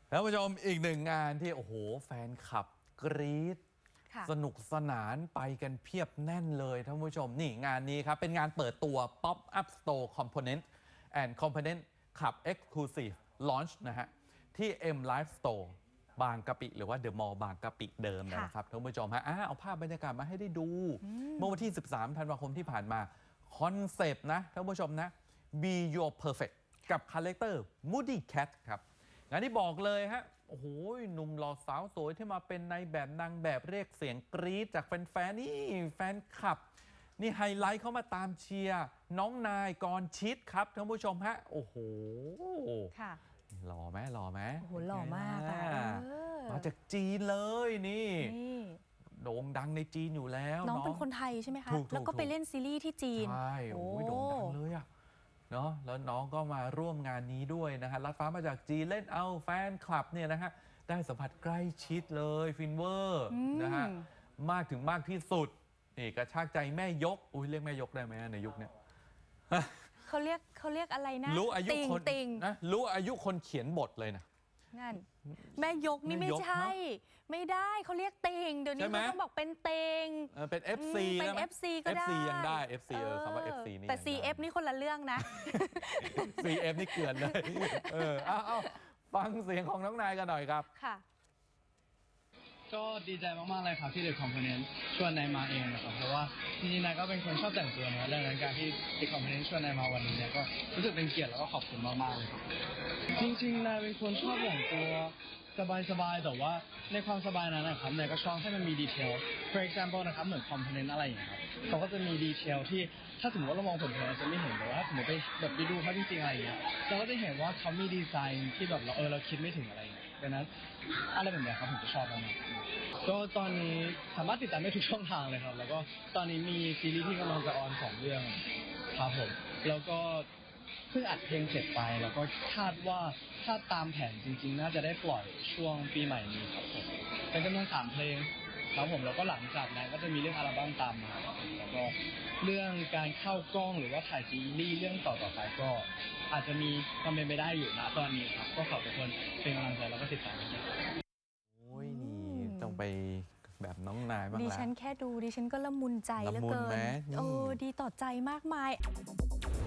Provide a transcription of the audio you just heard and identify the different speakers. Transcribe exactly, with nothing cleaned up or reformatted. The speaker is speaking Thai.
Speaker 1: ท่านผู้ชมอีกหนึ่งงานที่โอ้โหแฟนคลับกรี๊ดสนุกสนานไปกันเพียบแน่นเลยท่านผู้ชมนี่งานนี้ครับเป็นงานเปิดตัว Pop Up Store Component and Component Club Exclusive Launch นะฮะที่ M Live Store บางกะปิหรือว่า The Mall บางกะปิเดิมนะครับท่านผู้ชมฮะเอาภาพบรรยากาศมาให้ได้ดูเมื่อวันที่ สิบสาม ธันวาคมที่ผ่านมาคอนเซปต์นะท่านผู้ชมนะ Be Your Perfect กับคาแรคเตอร์ Moody Cat ครับงานที่บอกเลยฮะโอ้โหหนุ่มหล่อสาวสวยที่มาเป็นในแบบนางแบบเรียกเสียงกรี๊ดจากแฟนๆนี่แฟนคลับนี่ไฮไลท์เข้ามาตามเชียร์น้องนายกรชิดครับท่านผู้ชมฮะโอ้โห
Speaker 2: ค่ะ
Speaker 1: หล่อไหมหล่อไหม
Speaker 2: โอ้โหหล่อมากอ่ะ
Speaker 1: มาจากจีนเลยนี่โด่งดังในจีนอยู่แล้ว
Speaker 2: น้องเป็นคนไทยใช่ไหมคะแล้วก็ไปเล่นซีรีส์ที่จีน
Speaker 1: ใช่โอ้ยโด่งดังเลยอะเนาะแล้วน้องก็มาร่วมงานนี้ด้วยนะฮะลัดฟ้ามาจากจีนเล่นเอาแฟนคลับเนี่ยนะฮะได้สัมผัสใกล้ชิดเลยฟินเวอร์นะฮะมากถึงมากที่สุดนี่กระชากใจแม่ยกอุ้ยเรียกแม่ยกได้ไหมในยุคนี้
Speaker 2: เขาเรียกเขาเรียกอะไรนะ
Speaker 1: รู้อายุคน
Speaker 2: ติง
Speaker 1: นะรู้อายุคนเขียนบทเลยนะ
Speaker 2: นั่นแม่ยกนี่ไม่ใช่ไม่ได้เขาเรียกติงเดี๋ยวนี้เขาต้องบอกเป็นเตง
Speaker 1: เป็น เอฟ ซี
Speaker 2: เป็น เอฟ ซี ก็ได้
Speaker 1: เอฟ ซี ยังได้ เอฟ ซี เออคำว่า เอฟ ซี นี่
Speaker 2: แต่ ซี เอฟ นี่คนละเรื่องนะ
Speaker 1: ซี เอฟ นี่เกลื่อนเลยเออเอาฟังเสียงของน้องนายกันหน่อยครับ
Speaker 2: ค่ะ
Speaker 3: ก็ดีใจมากๆเลยครับที่ The Component ชวนนายมาเองนะครับเพราะว่าจริงๆนายก็เป็นคนชอบแต่งตัวนะดังนั้นการที่ The Component ชวนนายมาวันนี้เนี่ยก็รู้สึกเป็นเกียรติแล้วก็ขอบคุณมากๆเลยครับจริงๆนายเป็นคนชอบแต่งตัวสบายๆแต่ว่าในความสบายนั้นนะครับนายก็ชอบให้มันมีดีเทล for example นะครับเหมือน component อะไรอย่างเงี้ยครับเขาก็จะมีดีเทลที่ถ้าสมมติว่าเรามองเผินๆเราจะไม่เห็นแต่ว่าถ้าสมมติไปแบบไปดูเขาจริงๆอะไรอย่างเงี้ยเราก็จะเห็นว่าเขามีดีไซน์ที่แบบเราเออเราคิดไม่ถึงอะไรอย่างเงี้ยดังนั้นอะไรแบบนี้ครับผมจะชอบมากๆก็ตอนนี้สามารถติดตามได้ทุกช่องทางเลยครับแล้วก็ตอนนี้มีซีรีส์ที่กำลังจะออนสองเรื่องครับผมแล้วก็เพิ่งอัดเพลงเสร็จไปแล้วก็คาดว่าถ้าตามแผนจริงๆน่าจะได้ปล่อยช่วงปีใหม่นี้ครับผมเป็นจำนวนสามเพลงครับผมแล้วก็หลังจากนั้นก็จะมีเรื่องอัลบั้มตามมาแล้วก็เรื่องการเข้ากล้องหรือว่าถ่ายซีรีส์เรื่องต่อๆไปก็อาจจะมีความเป็นไปได้อยู่นะตอนนี้ครับก็ขอบคุณเป็นกำลังใจแล้วก็ติดตามกัน
Speaker 1: โอ้ยนี่ต้องไปแบบน้องนายบ้างละ
Speaker 2: ดิฉันแค่ดูดิฉันก็ละมุนใจเหลือเกินโอ้ดีต่อใจมากมาย